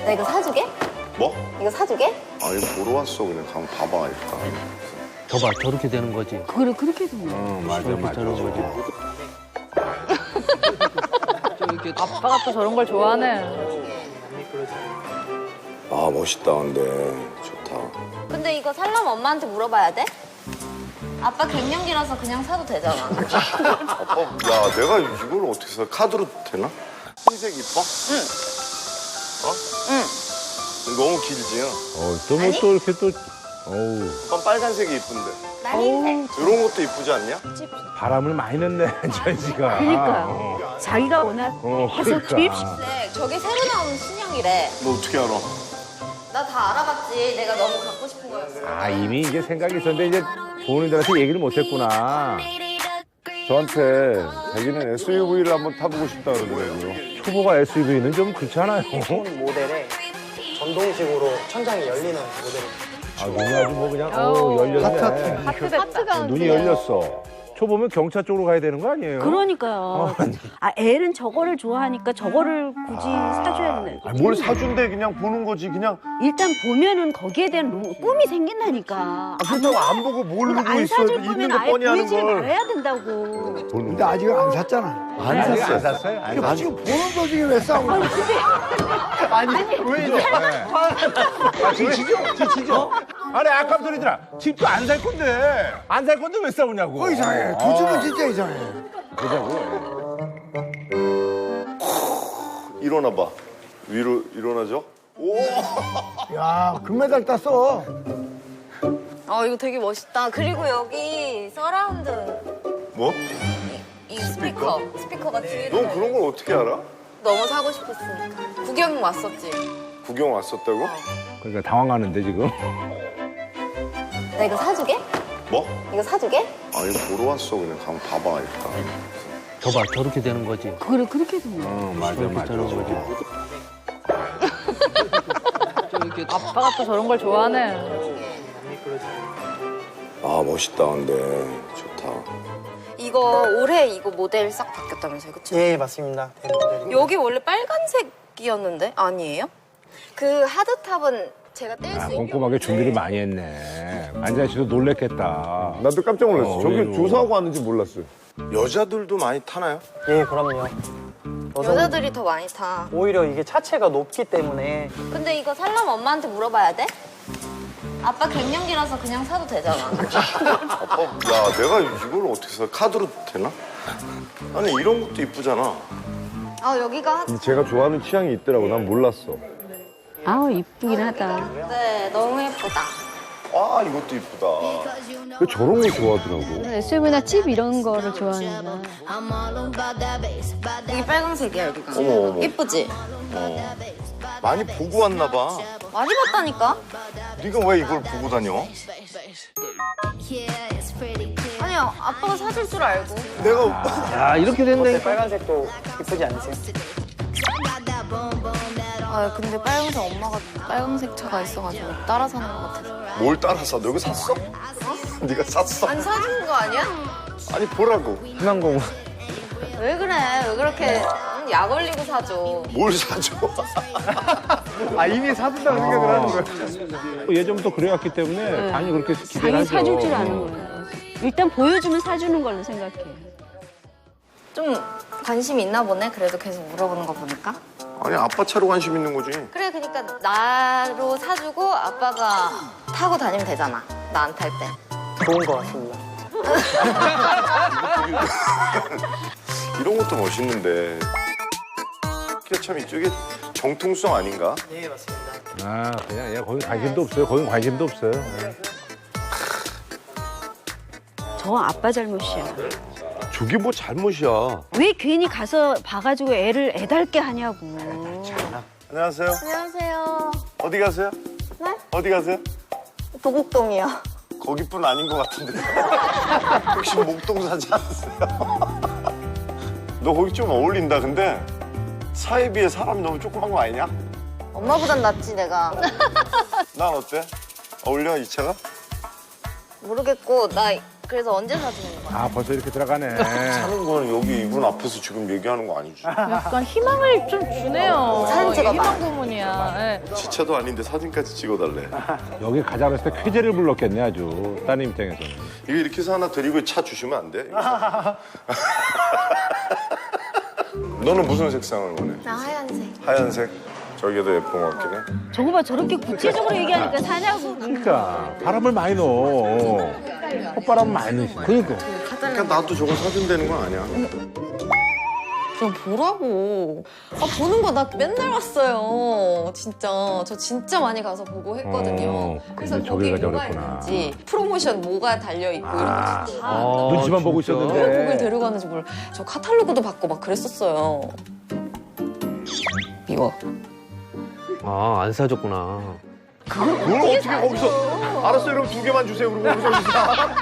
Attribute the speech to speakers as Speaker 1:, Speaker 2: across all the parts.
Speaker 1: 나 이거 사주게?
Speaker 2: 뭐?
Speaker 1: 이거 사주게?
Speaker 2: 아니 보러 왔어. 그냥 가면 봐봐 일단.
Speaker 3: 저봐 저렇게 되는 거지.
Speaker 4: 그래 그렇게 되는 거야.
Speaker 3: 맞아 맞아. 저런 거지.
Speaker 5: 아빠가 또 저런 걸 좋아하네.
Speaker 2: 아 멋있다 근데 좋다.
Speaker 1: 근데 이거 살려면 엄마한테 물어봐야 돼? 아빠 갱년기라서 그냥 사도 되잖아.
Speaker 2: 아빠 야 내가 이걸 어떻게 사? 카드로 되나? 흰색 이뻐? 응. 어? 응. 너무 길지?
Speaker 6: 또 뭐 또 이렇게 또, 어우,
Speaker 2: 오빠 빨간색이 이쁜데.
Speaker 1: 난 흰색.
Speaker 2: 이런 것도 이쁘지 않냐?
Speaker 6: 바람을 많이 넣네, 전시가.
Speaker 4: 그러니까요. 자기가 워낙 해서
Speaker 6: 그러니까.
Speaker 4: 투입식.
Speaker 1: 네, 저게 새로 나온 신형이래.
Speaker 2: 너 어떻게 알아?
Speaker 1: 나 다 알아봤지. 내가 너무 갖고 싶은 거였어.
Speaker 6: 아, 이미 이제 생각이 있었는데 이제 부모님들한테 얘기를 못 했구나.
Speaker 7: 저한테 자기는 SUV를 한번 타보고 싶다 그러더라고요.
Speaker 6: 초보가 SUV는 좀 그렇잖아요.
Speaker 8: 모델에 전동식으로 천장이 열리는 모델.
Speaker 6: 아, 눈이 아주 뭐 그냥, 열렸네.
Speaker 5: 하트됐다.
Speaker 6: 눈이 열렸어. 초보면 경차 쪽으로 가야 되는 거 아니에요?
Speaker 4: 그러니까요. 아 애는 저거를 좋아하니까 저거를 굳이 사줘야 되네.
Speaker 7: 아니, 뭘 사준대 그냥 보는 거지 그냥.
Speaker 4: 일단 보면은 거기에 대한 꿈이 생긴다니까.
Speaker 7: 아, 그렇다고 안 보고 뭘 보고
Speaker 4: 안
Speaker 7: 있어.
Speaker 4: 사줄
Speaker 7: 있는
Speaker 4: 거면
Speaker 7: 거
Speaker 4: 아예
Speaker 7: 뻔히 하는
Speaker 4: 보이지
Speaker 7: 걸.
Speaker 4: 말아야 된다고.
Speaker 9: 근데 아직은 안 샀잖아.
Speaker 7: 안 샀어요.
Speaker 6: 안 샀어요? 아니,
Speaker 9: 아직 보는 도중에 왜 싸우는 거야?
Speaker 6: 왜 이래? 아, 지치죠? 아니, 아깝더니들아. 집도 안 살 건데. 안 살 건데 왜 싸우냐고.
Speaker 9: 그거 이상해. 두 집은 진짜 이상해.
Speaker 6: 그러자고.
Speaker 2: 일어나봐. 위로 일어나죠? 오!
Speaker 9: 야, 금메달 땄어.
Speaker 1: 이거 되게 멋있다. 그리고 여기 서라운드
Speaker 2: 뭐?
Speaker 1: 이 스피커가 뒤에.
Speaker 2: 넌 그런 걸 어떻게 알아?
Speaker 1: 너무 사고 싶었으니까. 구경 왔었지.
Speaker 2: 구경 왔었다고?
Speaker 6: 그러니까 당황하는데, 지금.
Speaker 1: 나 이거 사주게?
Speaker 2: 뭐?
Speaker 1: 이거 사주게?
Speaker 2: 아니 보러 왔어. 그냥 가면 봐봐 일단.
Speaker 3: 저봐 저렇게 되는 거지.
Speaker 4: 그래 그렇게 되는 거야.
Speaker 6: 맞아
Speaker 3: 저렇게
Speaker 6: 맞아.
Speaker 3: 저런 거지.
Speaker 5: 아빠가 또 저런 걸 좋아하네.
Speaker 2: 아 멋있다 근데 좋다.
Speaker 1: 이거 올해 이거 모델 싹 바뀌었다면서요, 그쵸?
Speaker 8: 예, 맞습니다.
Speaker 1: 여기 원래 빨간색이었는데 아니에요? 그 하드탑은 제가 뗄 수 있게.
Speaker 6: 꼼꼼하게 준비를 많이 했네. 안자 씨도 놀랬겠다.
Speaker 7: 나도 깜짝 놀랐어. 저기
Speaker 6: 의외로.
Speaker 7: 조사하고 왔는지 몰랐어요.
Speaker 2: 여자들도 많이 타나요?
Speaker 8: 예, 그럼요.
Speaker 1: 여자들이 더 많이 타.
Speaker 8: 오히려 이게 차체가 높기 때문에
Speaker 1: 근데 이거 살려면 엄마한테 물어봐야 돼? 아빠 갱년기라서 그냥 사도 되잖아.
Speaker 2: 아빠 야 내가 이걸 어떻게 사? 카드로 되나? 아니 이런 것도 이쁘잖아.
Speaker 1: 여기가
Speaker 7: 근데 제가 좋아하는 취향이 있더라고. 난 몰랐어.
Speaker 4: 아우 이쁘긴 하다.
Speaker 1: 네 너무 예쁘다.
Speaker 2: 아 이것도 이쁘다.
Speaker 7: 왜 저런 거 좋아하더라고.
Speaker 5: SUV나 집 이런 거를 좋아하는구나.
Speaker 1: 여기 빨간색이야 여기가.
Speaker 2: 어머, 어머.
Speaker 1: 예쁘지?
Speaker 2: 많이 보고 왔나 봐.
Speaker 1: 많이 봤다니까?
Speaker 2: 네가 왜 이걸 보고 다녀?
Speaker 1: 아니야 아빠가 사줄 줄 알고.
Speaker 2: 내가
Speaker 3: 야 이렇게 된다니까.
Speaker 8: 빨간색도 이쁘지 않으세요?
Speaker 1: 근데 빨간색 엄마가 빨간색 차가 있어가지고 따라 사는 것 같아서.
Speaker 2: 뭘 따라서 너 이거 샀어? 네가 샀어?
Speaker 1: 아니 사주는 거 아니야?
Speaker 2: 아니 보라고. 희망공원.
Speaker 1: 왜 그래? 왜 그렇게 약 올리고 사줘?
Speaker 2: 뭘 사줘?
Speaker 7: 아 이미 사준다고 생각을 하는 거야.
Speaker 6: 예전부터 그래왔기 때문에 당연히 그렇게 기대를
Speaker 4: 자기
Speaker 6: 하죠.
Speaker 4: 사줄 줄 아는 거야. 일단 보여주면 사주는 걸로 생각해.
Speaker 1: 좀 관심이 있나 보네. 그래도 계속 물어보는 거 보니까.
Speaker 2: 아니 아빠 차로 관심 있는 거지.
Speaker 1: 그래 그러니까 나로 사주고 아빠가 타고 다니면 되잖아. 나 안 탈 때.
Speaker 8: 좋은 것 같습니다.
Speaker 2: 이런 것도 멋있는데. 이게 참 이쪽에 정통성 아닌가?
Speaker 8: 예, 맞습니다.
Speaker 6: 아, 그냥 얘 거기 관심도 없어요. 거긴 관심도 없어요.
Speaker 4: 저 아빠 잘못이야.
Speaker 7: 저게 뭐 잘못이야.
Speaker 4: 왜 괜히 가서 봐가지고 애를 애달게 하냐고.
Speaker 2: 안녕하세요.
Speaker 1: 안녕하세요.
Speaker 2: 어디 가세요?
Speaker 1: 네?
Speaker 2: 어디 가세요?
Speaker 1: 도곡동이요.
Speaker 2: 거기뿐 아닌 것 같은데. 혹시 목동 사지 않으세요? 너 거기 좀 어울린다. 근데 차에 비해 사람이 너무 조그만 거 아니냐?
Speaker 1: 엄마보단 낫지 내가.
Speaker 2: 난 어때? 어울려 이 차가?
Speaker 1: 모르겠고 나 그래서 언제 사주는 거야?
Speaker 6: 아, 벌써 이렇게 들어가네.
Speaker 2: 하는 거는 여기 이분 앞에서 지금 얘기하는 거 아니지?
Speaker 5: 약간 희망을 좀 주네요.
Speaker 1: 사진 찍어봐.
Speaker 5: 희망 고문이야. 예.
Speaker 2: 기차도 아닌데 사진까지 찍어달래.
Speaker 6: 여기 가자 그랬을 때 쾌재를 불렀겠네 아주 따님 입장에서는.
Speaker 2: 이거 이렇게 해서 하나 드리고 차 주시면 안 돼? 너는 무슨 색상을 원해?
Speaker 1: 나 하얀색.
Speaker 2: 하얀색? 저게 더 예쁜 것 같긴 해.
Speaker 4: 저거 봐 저렇게 구체적으로 얘기하니까 사냐고.
Speaker 6: 그러니까 바람을 많이 넣어. 콧바람 많이 넣으시네.
Speaker 3: 그러니까.
Speaker 2: 그러니까 나도 저거 사준다는 건 아니야.
Speaker 1: 좀 보라고. 아, 보는 거 나 맨날 왔어요. 진짜. 저 진짜 많이 가서 보고 했거든요. 그래서
Speaker 6: 근데
Speaker 1: 거기
Speaker 6: 저기가
Speaker 1: 뭐가
Speaker 6: 저랬구나.
Speaker 1: 있는지, 프로모션 뭐가 달려있고 이런 거 진짜 다
Speaker 6: 눈치만 보고
Speaker 1: 왜 거길
Speaker 6: 있었는데.
Speaker 1: 데려가는지 몰라. 저 카탈로그도 받고 막 그랬었어요. 미워.
Speaker 3: 아, 안 사줬구나.
Speaker 2: 그걸 어떻게 거기서. 알았어요, 그럼 2개만 주세요. 그리고 거기서 사.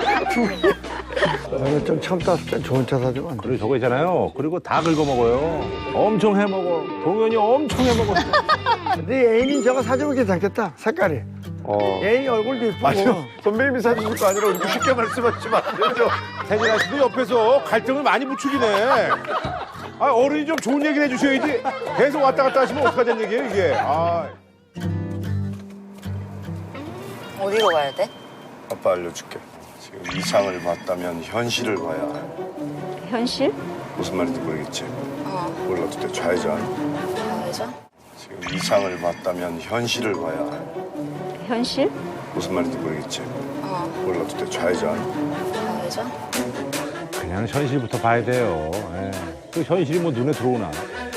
Speaker 9: 너는 좀 참다 땐 좋은 차 사주면 안 돼.
Speaker 6: 그리고 저거 있잖아요. 그리고 다 긁어 먹어요. 엄청 해 먹어. 동현이 엄청 해 먹어.
Speaker 9: 네 애인이 저거 사주면 괜찮겠다. 색깔이. 애인 얼굴도 이쁘고.
Speaker 2: 아니요, 선배님이 사주실 거 아니라 이렇게 쉽게 말씀하시면 안 되죠.
Speaker 6: 태진아 씨도 옆에서 갈등을 많이 부추기네. 아, 어른이 좀 좋은 얘기를 해주셔야지. 계속 왔다 갔다 하시면 어떡하자는 얘기예요, 이게. 아.
Speaker 1: 어디로 가야 돼?
Speaker 2: 아빠 알려줄게. 지금 이상을 봤다면 현실을 봐야 해.
Speaker 4: 현실?
Speaker 2: 무슨 말인지 모르겠지? 몰라도 돼. 좌회전.
Speaker 1: 좌회전?
Speaker 2: 지금 이상을 봤다면 현실을 봐야 해.
Speaker 4: 현실?
Speaker 2: 무슨 말인지 모르겠지? 몰라도 돼. 좌회전.
Speaker 1: 좌회전?
Speaker 6: 그냥 현실부터 봐야 돼요. 예. 그 현실이 뭐 눈에 들어오나.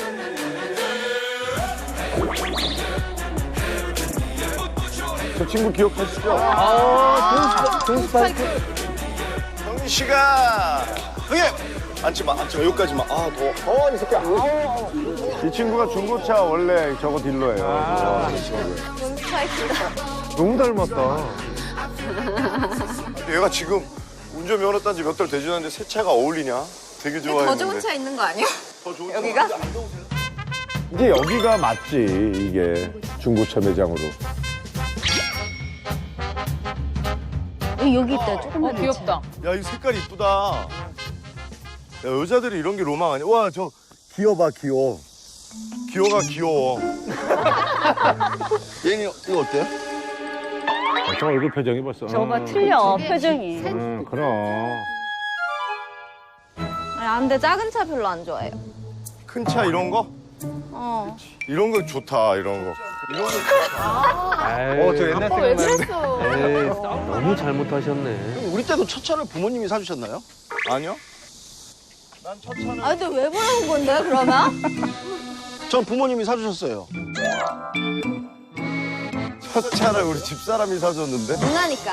Speaker 2: 저 친구 기억하시죠?
Speaker 9: 돈스파이크.
Speaker 2: 형민 씨가 형님 앉지 마 여기까지만. 더워 이 새끼야. 이 친구가 중고차 원래 저거 딜러예요. 너무 닮았다. 얘가 지금 운전면허 딴 지 몇 달 되지 않았는데 새 차가 어울리냐? 되게 좋아했는데.
Speaker 1: 더 좋은 차 있는 거 아니야?
Speaker 2: 더 좋은
Speaker 1: 여기가?
Speaker 7: 이제 여기가 맞지, 이게. 중고차 매장으로.
Speaker 4: 여기 있다 조금만.
Speaker 5: 귀엽다.
Speaker 2: 야, 이 색깔 이쁘다. 야, 여자들이 이런 게 로망 아니야? 와, 저 기어 봐, 기어. 기어가 귀여워. 얘는 이거 어때요?
Speaker 6: 저 얼굴 표정이 벌써.
Speaker 4: 저거 봐 틀려 표정이.
Speaker 6: 그럼.
Speaker 1: 아니, 안 돼. 작은 차 별로 안 좋아해요.
Speaker 2: 큰 차 이런 거? 이런 거 좋다, 이런 거. 이런 거 좋다.
Speaker 6: 저 옛날
Speaker 5: 왜
Speaker 6: 생각나는데.
Speaker 5: 그랬어?
Speaker 3: 에이, 너무 잘못하셨네.
Speaker 8: 우리 때도 첫 차를 부모님이 사주셨나요?
Speaker 2: 아니요? 난 첫 차는
Speaker 1: 아, 근데 왜 보라는 건데, 그러면?
Speaker 8: 전 부모님이 사주셨어요.
Speaker 2: 첫 차를 우리 집사람이 사줬는데?
Speaker 1: 누나니까.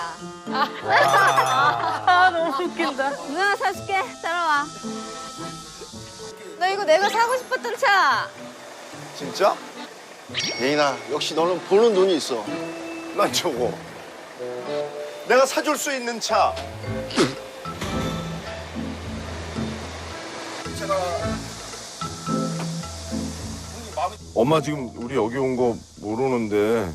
Speaker 5: 너무 웃긴다.
Speaker 1: 누나 사줄게. 따라와. 나 이거 내가 사고 싶었던 차.
Speaker 2: 진짜?
Speaker 8: 예인아, 역시 너는 보는 눈이 있어.
Speaker 2: 난 저거. 내가 사줄 수 있는 차. 엄마 지금 우리 여기 온 거 모르는데.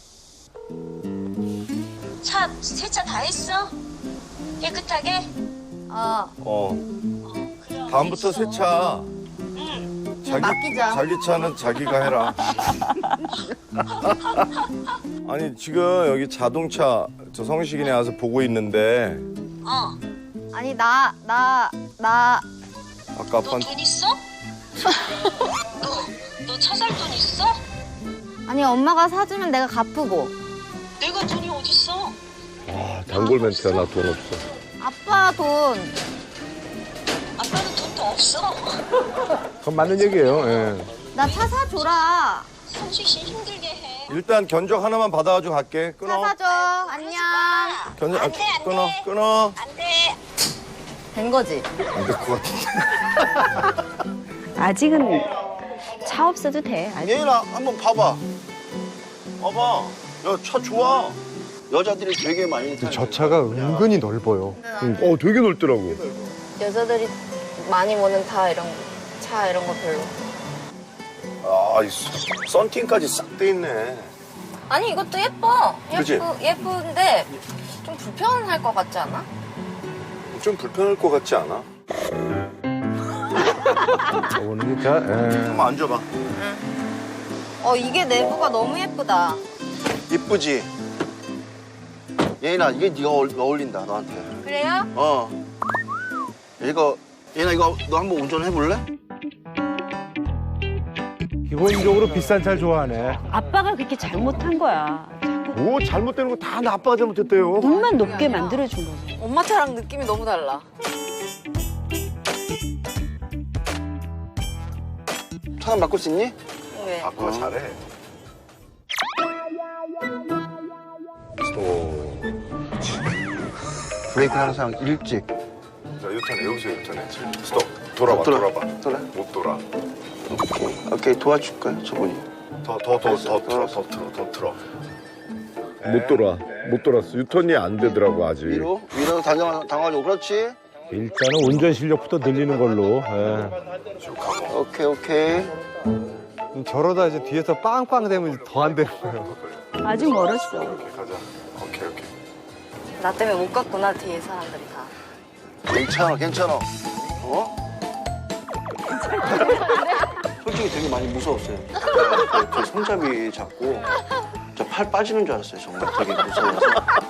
Speaker 10: 세차 다 했어? 깨끗하게?
Speaker 2: 다음부터 새 차.
Speaker 1: 맡기자.
Speaker 2: 자기 차는 자기가 해라. 아니 지금 여기 자동차 저 성식이네 와서 보고 있는데
Speaker 1: 아니, 나.
Speaker 2: 아까
Speaker 10: 너
Speaker 2: 아빠한테
Speaker 10: 돈 있어? 너 차 살 돈 있어?
Speaker 1: 아니, 엄마가 사주면 내가 갚고.
Speaker 10: 내가 돈이 어딨어?
Speaker 7: 단골 멘트야, 나 돈 없어.
Speaker 1: 아빠 돈.
Speaker 10: 아빠는 돈도 없어.
Speaker 6: 그건 맞는 얘기예요. 예.
Speaker 1: 나 차 사줘라.
Speaker 10: 성식 씨 힘들게 해.
Speaker 2: 일단 견적 하나만 받아가지고 갈게.
Speaker 1: 차
Speaker 2: 끊어.
Speaker 1: 사줘. 안녕.
Speaker 2: 견적
Speaker 10: 안 돼, 안
Speaker 2: 끊어
Speaker 10: 돼.
Speaker 2: 끊어.
Speaker 10: 안 돼.
Speaker 1: 된 거지?
Speaker 2: 안 될 것 같은데.
Speaker 4: 아직은 차 없어도 돼. 아직.
Speaker 8: 예인아, 한번 봐봐.
Speaker 2: 봐봐. 야 차 좋아.
Speaker 8: 여자들이 되게 많이 타요.
Speaker 7: 저 차가 은근히 넓어요. 되게 넓더라고.
Speaker 1: 여자들이 많이 모는 차 이런 거 별로.
Speaker 2: 이 썬팅까지 싹 돼 있네.
Speaker 1: 아니, 이것도 예뻐.
Speaker 2: 그치?
Speaker 1: 예쁜데 좀 불편할 것 같지 않아?
Speaker 2: 좀 불편할 것 같지 않아?
Speaker 6: 오늘 진짜. 예.
Speaker 2: 한번 앉아봐.
Speaker 1: 이게 내부가 너무 예쁘다.
Speaker 8: 이쁘지? 예인아, 이게 네가 어울린다, 너한테.
Speaker 1: 그래요?
Speaker 8: 예인아, 이거 너 한번 운전해볼래?
Speaker 6: 기본적으로 비싼 차를 좋아하네.
Speaker 4: 아빠가 그렇게 잘못한 거야.
Speaker 7: 뭐 잘못되는 거 다 아빠가 잘못했대요.
Speaker 4: 눈만 높게 만들어준 거지.
Speaker 1: 엄마 차랑 느낌이 너무 달라.
Speaker 8: 차는 바꿀 수 있니?
Speaker 1: 왜?
Speaker 2: 아빠가 잘해. 스톱.
Speaker 8: 브레이크는 항상 일찍.
Speaker 2: 자, 유턴해. 여기서 유턴해. 스톱. 돌아봐, 돌아봐.
Speaker 8: 돌아.
Speaker 2: 못 돌아.
Speaker 8: 오케이, 도와줄까요, 저분이?
Speaker 2: 더 틀어.
Speaker 7: 못 돌았어. 유턴이 안 되더라고 아직.
Speaker 8: 위로 당하고 그렇지.
Speaker 6: 일단은 운전 실력부터 늘리는 걸로.
Speaker 8: 오케이.
Speaker 9: 저러다 이제 뒤에서 빵빵 되면 더 안 되는 거예요.
Speaker 4: 아직 멀었어.
Speaker 2: 가자. 오케이.
Speaker 1: 나 때문에 못 갔구나, 뒤에 사람들이 다.
Speaker 8: 괜찮아. 솔직히 되게 많이 무서웠어요. 제 손잡이 잡고 저 팔 빠지는 줄 알았어요. 정말 되게 무서워서.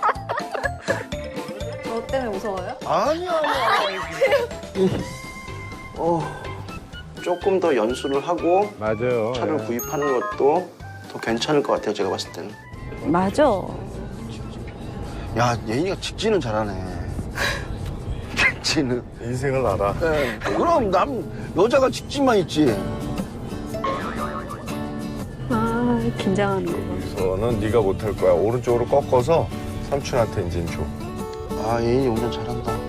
Speaker 1: 너 때문에 무서워요?
Speaker 8: 아니야. 조금 더 연수를 하고
Speaker 6: 맞아요.
Speaker 8: 차를 구입하는 것도 더 괜찮을 것 같아요. 제가 봤을 때는.
Speaker 4: 맞아.
Speaker 8: 야, 예인이가 직진은 잘하네. 직진은.
Speaker 2: 인생을 알아.
Speaker 8: 네, 그럼 여자가 직진만 있지.
Speaker 4: 아, 긴장하는 거.
Speaker 2: 여기서는 네가 못할 거야. 오른쪽으로 꺾어서 삼촌한테 이제 줘.
Speaker 8: 아, 예인이 운전 잘한다.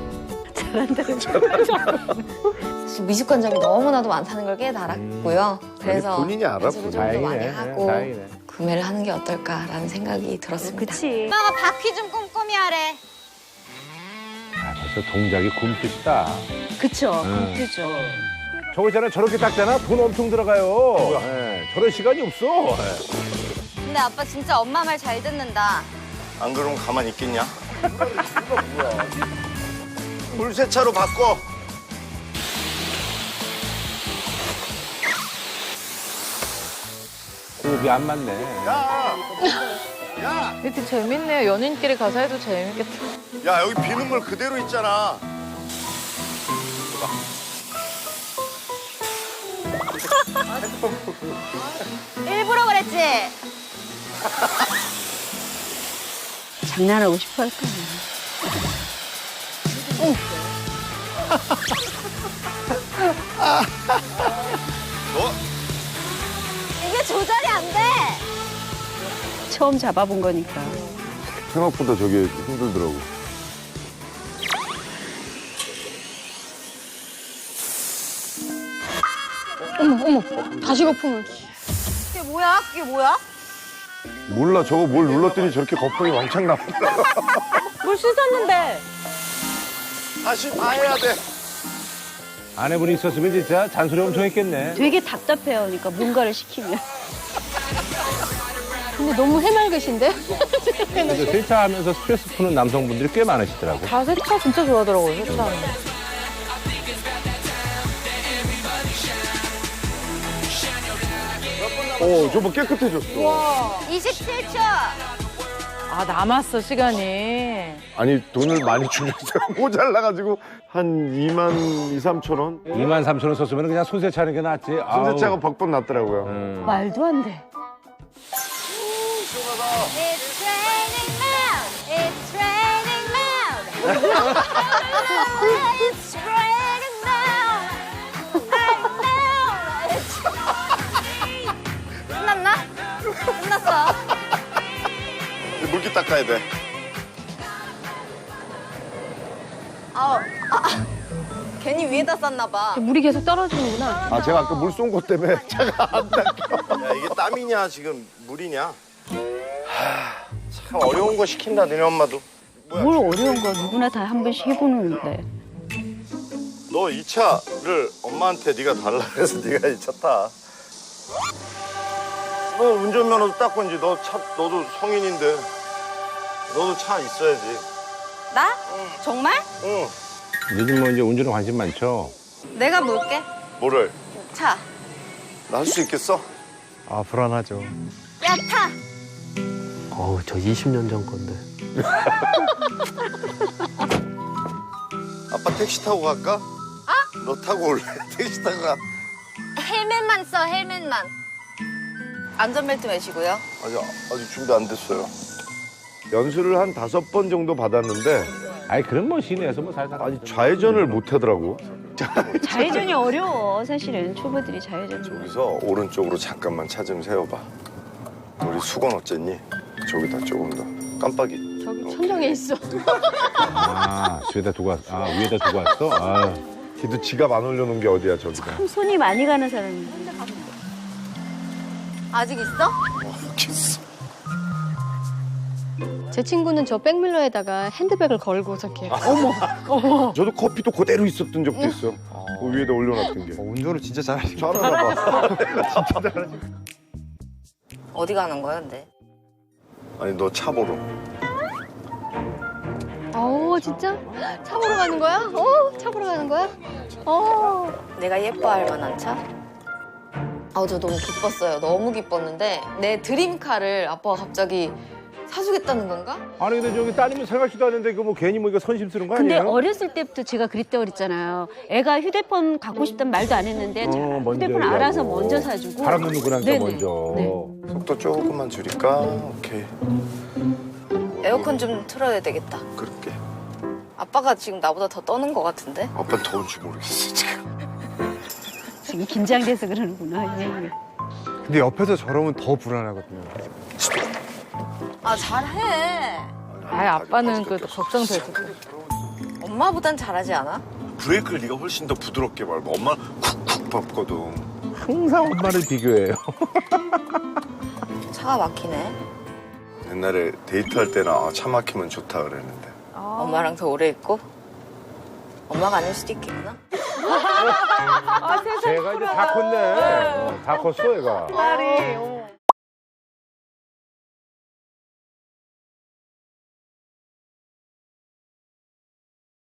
Speaker 1: 미식관점이 너무나도 많다는 걸 깨달았고요. 그래서
Speaker 7: 본인이 알아,
Speaker 1: 연습을 좀 더 많이 하고
Speaker 6: 다행이네.
Speaker 1: 구매를 하는 게 어떨까라는 생각이 들었습니다.
Speaker 4: 그치.
Speaker 1: 엄마가 바퀴 좀 꼼꼼히 하래.
Speaker 6: 벌써 동작이 굼뜻이다.
Speaker 4: 그쵸. 그죠.
Speaker 6: 저거 있잖아, 저렇게 닦잖아. 돈 엄청 들어가요. 저런 시간이 없어.
Speaker 1: 근데 아빠 진짜 엄마 말 잘 듣는다.
Speaker 2: 안 그러면 가만히 있겠냐? 물세차로 바꿔.
Speaker 6: 호흡이 안 맞네.
Speaker 5: 이렇게 재밌네요. 연인끼리 가서 해도 재밌겠다.
Speaker 2: 야, 여기 비눗물 그대로 있잖아.
Speaker 1: 일부러 그랬지?
Speaker 4: 장난하고 싶어 할 거야.
Speaker 1: 이게 조절이 안 돼.
Speaker 4: 처음 잡아본 거니까.
Speaker 7: 생각보다 저게 힘들더라고.
Speaker 1: 다시 거품을. 그게 뭐야? 그게 뭐야?
Speaker 7: 몰라 저거 뭘 눌렀더니 저렇게 거품이 왕창 나온다.
Speaker 4: 물 씻었는데.
Speaker 2: 다시 봐야 돼.
Speaker 6: 아내분이 있었으면 진짜 잔소리 엄청 했겠네.
Speaker 4: 되게 답답해요. 그러니까 뭔가를 시키면.
Speaker 5: 근데 너무 해맑으신데?
Speaker 6: 그래서 세차하면서 스트레스 푸는 남성분들이 꽤 많으시더라고.
Speaker 5: 다 세차 진짜 좋아하더라고요, 세차.
Speaker 7: 저거 깨끗해졌어.
Speaker 1: 27초.
Speaker 5: 아, 남았어, 시간이.
Speaker 7: 아니 돈을 많이 주면서 모자라가지고 한 2만 2, 3천 원.
Speaker 6: 2만 3천 원 썼으면 그냥 손세차 하는 게 낫지.
Speaker 7: 손세차가 벅벅 났더라고요.
Speaker 4: 말도 안 돼.
Speaker 1: It's raining now. It's raining now. It's raining now. Right now. 끝났나? 끝났어.
Speaker 2: 물기 닦아야 돼.
Speaker 1: 괜히 위에다 쌌나 봐.
Speaker 5: 물이 계속 떨어지는구나.
Speaker 7: 아 제가 아까 물 쏜 것 때문에 차가 안 닦여.
Speaker 2: 야, 이게 땀이냐 지금 물이냐? 참 어려운 거 시킨다 너네 엄마도.
Speaker 4: 뭘 어려운 거 누구나 다 한 번씩 해보는데.
Speaker 2: 너 이 차를 엄마한테 네가 달라 그래서 네가 이 차 타. 너 운전면허도 땄고 이제 너도 성인인데 너도 차 있어야지.
Speaker 1: 나? 정말?
Speaker 2: 응.
Speaker 6: 요즘 뭐 이제 운전에 관심 많죠.
Speaker 1: 내가 물게.
Speaker 2: 뭐를?
Speaker 1: 차.
Speaker 2: 나 할 수 있겠어?
Speaker 9: 아, 불안하죠.
Speaker 1: 야, 타!
Speaker 3: 어우, 저 20년 전 건데.
Speaker 2: 아빠 택시 타고 갈까? 너 타고 올래? 택시 타고 가.
Speaker 1: 헬멧만 써, 헬멧만. 안전벨트 매시고요.
Speaker 2: 아직 준비 안 됐어요.
Speaker 7: 연수를 한 5번 정도 받았는데
Speaker 6: 아니 그럼 뭐 시내에서 뭐 살살.
Speaker 7: 아니 좌회전을 못 하더라고.
Speaker 4: 좌회전이 어려워. 사실은 초보들이 좌회전.
Speaker 2: 여기서 오른쪽으로 잠깐만 차 좀 세워봐. 우리 수건 어쨌니? 저기다 조금 더. 깜빡이.
Speaker 1: 저기 천정에 있어.
Speaker 6: 아 위에다 두고 왔어. 아 위에다 두고 왔어. 아.
Speaker 7: 걔도 지갑 안 올려놓은 게 어디야 저기다.
Speaker 4: 참 손이 많이 가는 사람인데.
Speaker 1: 아직 있어?
Speaker 2: 모르겠어.
Speaker 5: 제 친구는 저 백밀러에다가 핸드백을 걸고 저렇게.
Speaker 7: 저도 커피도 그대로 있었던 적도 있어. 그 위에다 올려놨던 게.
Speaker 9: 운전을 진짜 잘하시네.
Speaker 7: 잘하나 봐.
Speaker 1: 어디 가는 거야, 근데?
Speaker 2: 아니 너 차 보러.
Speaker 5: 진짜? 차 보러 가는 거야? 차 보러 가는 거야?
Speaker 1: 내가 예뻐할 만한 차? 저 너무 기뻤어요. 너무 기뻤는데 내 드림카를 아빠가 갑자기 사주겠다는 건가?
Speaker 6: 아니 근데 저기 따님은 생각지도 않는데 이거 뭐 괜히 뭐 이거 선심 쓰는 거
Speaker 4: 근데
Speaker 6: 아니에요?
Speaker 4: 어렸을 때부터 제가 그랬다고 그랬잖아요. 애가 휴대폰 갖고 싶단 말도 안 했는데
Speaker 6: 먼저
Speaker 4: 휴대폰
Speaker 6: 얘기하고.
Speaker 4: 알아서 먼저 사주고.
Speaker 6: 바람 놓는구나
Speaker 4: 네네.
Speaker 6: 먼저.
Speaker 4: 네.
Speaker 2: 속도 조금만 줄일까? 오케이.
Speaker 1: 에어컨 좀 틀어야 되겠다.
Speaker 2: 그렇게.
Speaker 1: 아빠가 지금 나보다 더 떠는 것 같은데?
Speaker 2: 아빠는 더운지 모르겠어 지금.
Speaker 4: 지금 긴장돼서 그러는구나. 예.
Speaker 9: 근데 옆에서 저러면 더 불안하거든요.
Speaker 1: 잘해.
Speaker 5: 아빠는 그래도 걱정되지.
Speaker 1: 엄마보단 잘하지 않아?
Speaker 2: 브레이크를 네가 훨씬 더 부드럽게 밟아. 엄마는 쿡쿡 밟거든.
Speaker 6: 항상 엄마를 비교해요.
Speaker 1: 차가 막히네.
Speaker 2: 옛날에 데이트할 때는 차 막히면 좋다 그랬는데.
Speaker 1: 엄마랑 더 오래 있고? 엄마가 아닐 수도 있겠구나.
Speaker 6: 제가 이제 다 컸네. 다 컸어 얘가.
Speaker 4: 딸이.